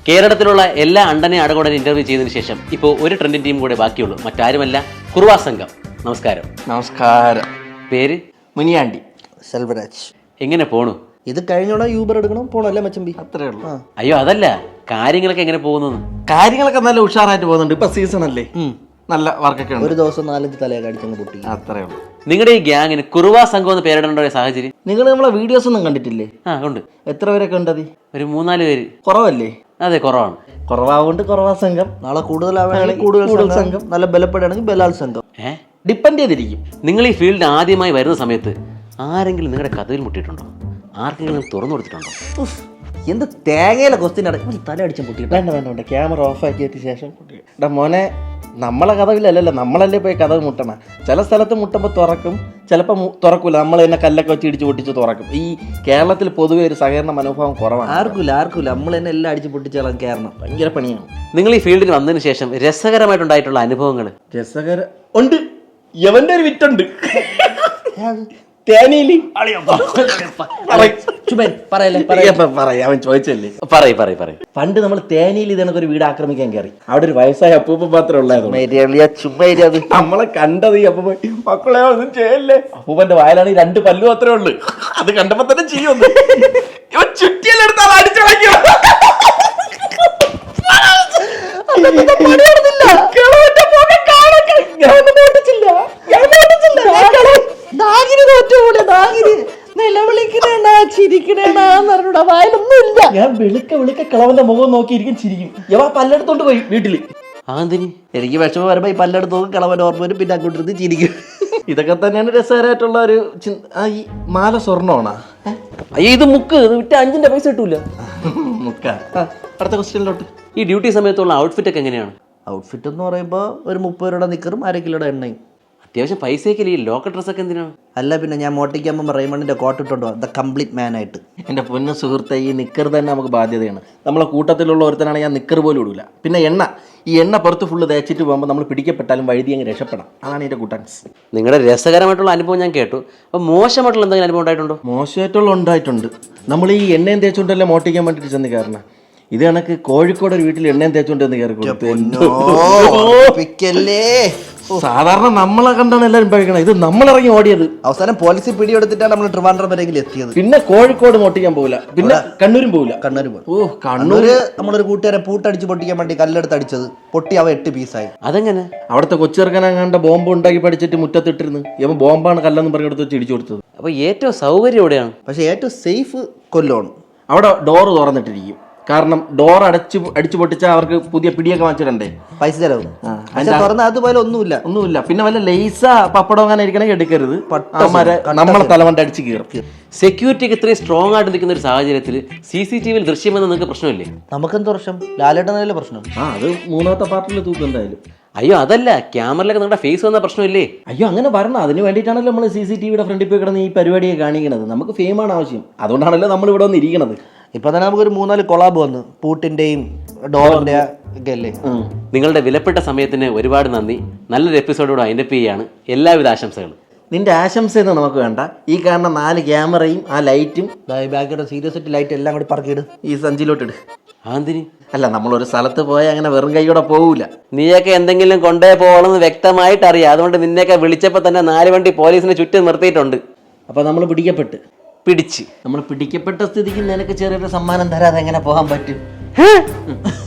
കേരളത്തിലുള്ള എല്ലാ അണ്ടനെ അടകോടനെ ഇന്റർവ്യൂ ചെയ്തതിനു ശേഷം ഇപ്പോൾ ഒരു ട്രെൻഡിങ് ടീം കൂടെ ബാക്കിയുള്ളൂ. മറ്റാരുമല്ല, കുറുവാ സംഘം. നമസ്കാരം. നമസ്കാരം. പേര്? മുനിയാണ്ടി. സെൽവരാജ്. എങ്ങനെ പോണു? ഇത് കഴിഞ്ഞോടെ യൂബർ എടുക്കണം പോണല്ലേ മച്ചമ്പി? അത്രേ ഉള്ളൂ. അയ്യോ അതല്ല, കാര്യങ്ങളൊക്കെ എങ്ങനെ പോകുന്നു? കാര്യങ്ങളൊക്കെ നല്ല ഉഷാറായിട്ട് പോകുന്നുണ്ട്. ഇപ്പൊ സീസൺ അല്ലേ, നല്ല വർക്കൊക്കെ ഉണ്ട്. ഒരു ദിവസം 4-5 തലയൊക്കെ അടിച്ചങ്ങ് പൊട്ടി. അത്രേ ഉള്ളൂ. നിങ്ങളുടെ ഈ ഗ്യാങ്ങിന് കുറുവാ സംഘം എന്ന് പേരിടേണ്ട ഒരു സാഹചര്യം? നിങ്ങൾ നമ്മളെ വീഡിയോസ് ഒന്നും കണ്ടിട്ടില്ലേ? ഉണ്ട്. എത്ര പേരൊക്കെ ഉണ്ടത്? ഒരു 3-4 പേര്. കുറവല്ലേ? അതെ, കുറവാണ്. കുറവാകൊണ്ട് കുറവാ സംഘം. നാളെ കൂടുതലാണെങ്കിൽ കൂടുതൽ സംഘം, നല്ല ബലപ്പെടുകയാണെങ്കിൽ ബലാൽ സംഘം. ഡിപ്പെൻഡ് ചെയ്തിരിക്കും. നിങ്ങൾ ഈ ഫീൽഡിൽ ആദ്യമായി വരുന്ന സമയത്ത് ആരെങ്കിലും നിങ്ങളുടെ കഥയിൽ മുട്ടിയിട്ടുണ്ടോ? ആർക്കെങ്കിലും തുറന്നു കൊടുത്തിട്ടുണ്ടോ? എന്ത് തേങ്ങയിലെ ക്വസ്റ്റ്യൻ അടക്കം തല അടിച്ചും പൊട്ടി. വേണ്ട വേണ്ട വേണ്ട, ക്യാമറ ഓഫ് ആക്കിയതിന് ശേഷം എടാ മോനെ, നമ്മളെ കഥവില്ലല്ലോ, നമ്മളല്ലേ പോയി കഥ മുട്ടണം. ചില സ്ഥലത്ത് മുട്ടുമ്പോൾ തുറക്കും, ചിലപ്പോൾ തുറക്കൂല. നമ്മൾ തന്നെ കല്ലൊക്കെ വെച്ച് ഇടിച്ച് പൊട്ടിച്ച് തുറക്കും. ഈ കേരളത്തിൽ പൊതുവെ ഒരു സഹകരണ മനോഭാവം കുറവാണ്. ആർക്കില്ല നമ്മൾ തന്നെ എല്ലാം അടിച്ച് പൊട്ടിച്ചാലും കയറണം. ഭയങ്കര പണിയാണ്. നിങ്ങൾ ഈ ഫീൽഡിൽ വന്നതിന് ശേഷം രസകരമായിട്ടുണ്ടായിട്ടുള്ള അനുഭവങ്ങൾ? ഉണ്ട്. യവന്റെ ഒരു വിറ്റുണ്ട് തേനീലി. അവൻ ചോദിച്ചല്ലേ. പണ്ട് നമ്മൾ തേനയിൽ ഇതേണൊക്കെ വീട് ആക്രമിക്കാൻ കയറി. അവിടെ ഒരു വയസ്സായ അപ്പൂപ്പ മാത്രമേ ഉള്ളായിരുന്നു. നമ്മളെ കണ്ടത് ഈ അപ്പൂപ്പ മക്കളെ ഒന്നും ചെയ്യല്ലേ. അപ്പൂപ്പന്റെ വായിലാണെങ്കിൽ 2 പല്ലു മാത്രമേ ഉള്ളു. അത് കണ്ടപ്പോ തന്നെ ചെയ്യുന്നു. ചുറ്റിയെടുത്താൽ അടിച്ചിളക്കിയോ. ഞാൻ വിളിക്ക കിളവന്റെ മുഖം നോക്കിയിരിക്കും, ചിരിക്കും. യവാ പല്ലെടുത്തോണ്ട് പോയി വീട്ടില്. എനിക്ക് വിഷമം വരുമ്പോ ഈ പല്ലെടുത്ത് നോക്കും, കിളവന്റെ ഓർമ്മ വരും, പിന്നെ അങ്ങോട്ട് ചിരിക്കും. ഇതൊക്കെ തന്നെയാണ് രസകരമായിട്ടുള്ള ഒരു ഈ മാല സ്വർണ്ണമാണോ? അയ്യോ, ഇത് മുക്ക്. ഇത് വിറ്റ് 5 പൈസ കിട്ടൂല. മുക്ക. അടുത്ത ക്വസ്റ്റ്യനിലോട്ട്. ഈ ഡ്യൂട്ടി സമയത്തുള്ള ഔട്ട്ഫിറ്റ് ഒക്കെ എങ്ങനെയാണ്? ഔട്ട്ഫിറ്റ് എന്ന് പറയുമ്പോൾ ഒരു 30 രൂപയുടെ നിക്കറും 1/2 കിലോയുടെ എണ്ണയും. അത്യാവശ്യം പൈസയൊക്കെ. ഈ ലോക്കൽ ഡ്രസ്സൊക്കെ എന്തിനാണ്? അല്ല പിന്നെ ഞാൻ മോട്ടിക്കുമ്പോൾ റെയ്മണ്ടിന്റെ കോട്ട് ഇട്ടുണ്ടോ, ദ കംപ്ലീറ്റ് മാൻ ആയിട്ട്. എൻ്റെ പൊന്നു സുഹൃത്തെ, ഈ നിക്കർ തന്നെ നമുക്ക് ബാധ്യതയാണ്. നമ്മളെ കൂട്ടത്തിലുള്ള ഒരുത്തനാണ് ഞാൻ നിക്കർ പോലും ഇടൂല. പിന്നെ ഈ എണ്ണ പുറത്ത് ഫുള്ള് തേച്ചിട്ട് പോകുമ്പോൾ നമ്മൾ പിടിക്കപ്പെട്ടാലും വഴുതി അങ്ങ് രക്ഷപ്പെടാം. അതാണ് എൻ്റെ കൂട്ടൻസ്. നിങ്ങളുടെ രസകരമായിട്ടുള്ള അനുഭവം ഞാൻ കേട്ടു. അപ്പോൾ മോശമായിട്ടുള്ള എന്തെങ്കിലും അനുഭവം ഉണ്ടായിട്ടുണ്ടോ? മോശമായിട്ടുള്ള ഉണ്ടായിട്ടുണ്ട്. നമ്മൾ ഈ എണ്ണയും തേച്ചുകൊണ്ടല്ലേ മോട്ടിക്കാൻ വേണ്ടിയിട്ട് ചെന്ന് കയറണം. ഇത് കണക്ക് കോഴിക്കോട് ഒരു വീട്ടിൽ എണ്ണയും തേച്ചുകൊണ്ട് എന്ന് കയറി കൊടുത്തു. സാധാരണ നമ്മളെ കണ്ടാണ് എല്ലാവരും പഴിക്കണം. ഇത് നമ്മളിറങ്ങി ഓടിയത്. അവസാനം പോലീസ് പിടിയെടുത്തിട്ടാണ് നമ്മൾ ട്രിവാൻഡ്രം വരെയെങ്കിലും എത്തിയത്. പിന്നെ കോഴിക്കോട് മോട്ടിക്കാൻ പോകില്ല, പിന്നെ കണ്ണൂരും പോകില്ല. കണ്ണൂര് നമ്മളൊരു കൂട്ടുകാരെ പൂട്ടടിച്ച് പൊട്ടിക്കാൻ വേണ്ടി കല്ലെടുത്ത് അടിച്ചത് പൊട്ടി അവ 8 പീസായി. അതെങ്ങനെ? അവിടുത്തെ കൊച്ചിറക്കനാണ്ട് ബോംബ് ഉണ്ടാക്കി പഠിച്ചിട്ട് മുറ്റത്തിട്ടിരുന്നു. ഇവൻ ബോംബാണ് കല്ലെന്ന് പറഞ്ഞെടുത്ത് വെച്ച് ഇടിച്ചു കൊടുത്തത്. അപ്പൊ ഏറ്റവും സൗകര്യം എവിടെയാണ്? പക്ഷെ ഏറ്റവും സേഫ് കൊല്ലമാണ്. അവിടെ ഡോറ് തുറന്നിട്ടിരിക്കും. കാരണം ഡോർ അടിച്ചു പൊട്ടിച്ചാൽ അവർക്ക് പുതിയ പിടിയൊക്കെ വാങ്ങിച്ചിടണ്ടേ, പൈസ ചെലവ്. തുറന്ന അതുപോലെ ഒന്നുമില്ല. പിന്നെ വല്ല ലേസ പപ്പടം അങ്ങനെ ഇരിക്കണമെങ്കിൽ എടുക്കരുത്. നമ്മളെ തലവണ്ട അടിച്ച് കയറും. സെക്യൂരിറ്റിക്ക് ഇത്രയും സ്ട്രോങ് ആയിട്ട് നിൽക്കുന്ന ഒരു സാഹചര്യത്തിൽ CCTV ദൃശ്യമെന്ന് നിങ്ങൾക്ക് പ്രശ്നമില്ലേ? നമുക്കെന്ത് പ്രശ്നം? ലാലേട്ടനല്ലേ പ്രശ്നം. അത് 3ാമത്തെ പാർട്ടിൽ തൂക്കും എന്തായാലും. അയ്യോ അതല്ല, ക്യാമറയിലൊക്കെ നിങ്ങളുടെ ഫേസ് വന്ന പ്രശ്നമില്ലേ? അയ്യോ അങ്ങനെ വരണം. അതിന് വേണ്ടിയിട്ടാണല്ലോ നമ്മൾ CCTVയുടെ ഫ്രണ്ടിൽ പോയി കിടന്ന് ഈ പരിപാടിയെ കാണിക്കുന്നത്. നമുക്ക് ഫെയിമാണ് ആവശ്യം. അതുകൊണ്ടാണല്ലോ നമ്മൾ ഇവിടെ വന്ന് ഇരിക്കണത്. ഇപ്പൊ തന്നെ നമുക്കൊരു 3-4 കൊളാബ് വന്നു, പൂട്ടിന്റെയും ഡോറിന്റെ ഒക്കെ അല്ലേ. നിങ്ങളുടെ വിലപ്പെട്ട സമയത്തിന് ഒരുപാട് നന്ദി. നല്ലൊരു എപ്പിസോഡോട് വൈൻഡപ്പ് ചെയ്യാണ്. എല്ലാവിധ ആശംസകളും. നിന്റെ ആശംസയൊന്നും നമുക്ക് വേണ്ട. ഈ കാണുന്ന 4 ക്യാമറയും ആ ലൈറ്റും ബാക്കിയുടെ സീരിയസ് ലൈറ്റ് എല്ലാം കൂടി പറക്കിയിട്, ഈ സഞ്ചിയിലോട്ടിട്. ആന്തിനി അല്ല, നമ്മളൊരു സ്ഥലത്ത് പോയാൽ അങ്ങനെ വെറും കൈയോടെ പോകൂല. നീയൊക്കെ എന്തെങ്കിലും കൊണ്ടേ പോകണമെന്ന് വ്യക്തമായിട്ട് അറിയാം. അതുകൊണ്ട് നിന്നെയൊക്കെ വിളിച്ചപ്പോൾ തന്നെ 4 വണ്ടി പോലീസിനെ ചുറ്റും നിർത്തിയിട്ടുണ്ട്. അപ്പോൾ നമ്മൾ പിടിച്ച് നമ്മൾ പിടിക്കപ്പെട്ട സ്ഥിതിക്ക് നിനക്ക് ചെറിയൊരു സമ്മാനം തരാതെ എങ്ങനെ പോകാൻ പറ്റും?